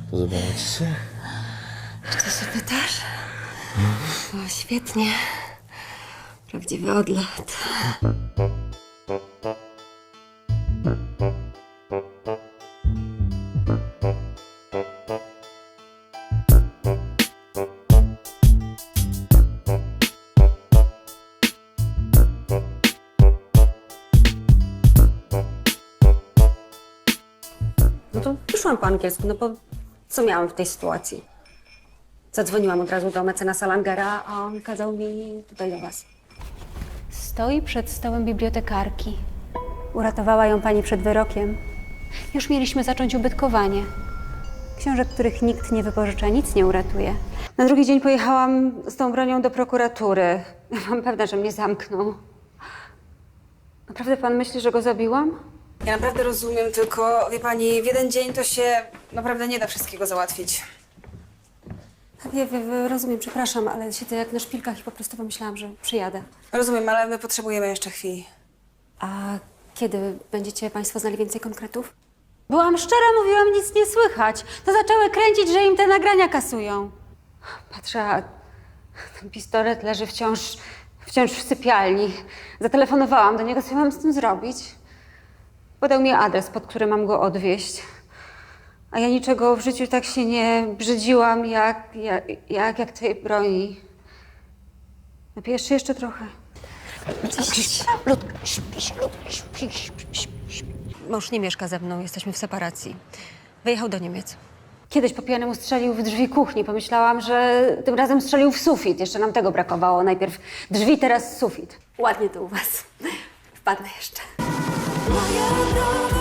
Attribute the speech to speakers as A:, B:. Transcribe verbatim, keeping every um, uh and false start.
A: Podobało ci się?
B: Czy się pytasz? O, świetnie. Prawdziwy odlot. No to wyszłam po angielsku, no bo co miałam w tej sytuacji? Zadzwoniłam od razu do mecenasa Langera, a on kazał mi tutaj do was.
C: Stoi przed stołem bibliotekarki.
B: Uratowała ją pani przed wyrokiem.
C: Już mieliśmy zacząć ubytkowanie.
B: Książek, których nikt nie wypożycza, nic nie uratuje. Na drugi dzień pojechałam z tą bronią do prokuratury. Byłam pewna, że mnie zamkną. Naprawdę pan myśli, że go zabiłam?
D: Ja naprawdę rozumiem, tylko wie pani, w jeden dzień to się naprawdę nie da wszystkiego załatwić.
B: Wie, wie, wie, rozumiem, przepraszam, ale siedzę jak na szpilkach i po prostu pomyślałam, że przyjadę.
D: Rozumiem, ale my potrzebujemy jeszcze chwili.
B: A kiedy będziecie państwo znali więcej konkretów? Byłam szczera, mówiłam, nic nie słychać. To zaczęły kręcić, że im te nagrania kasują. Patrzę, a ten pistolet leży wciąż, wciąż w sypialni. Zatelefonowałam do niego, co ja mam z tym zrobić? Podał mi adres, pod który mam go odwieźć. A ja niczego w życiu tak się nie brzydziłam, jak, jak, jak, jak tej broni. Napijesz się jeszcze trochę? Mąż nie mieszka ze mną, jesteśmy w separacji. Wyjechał do Niemiec. Kiedyś po pijanemu strzelił w drzwi kuchni. Pomyślałam, że tym razem strzelił w sufit. Jeszcze nam tego brakowało. Najpierw drzwi, teraz sufit. Ładnie to u was. Wpadnę jeszcze.
E: Moja droga.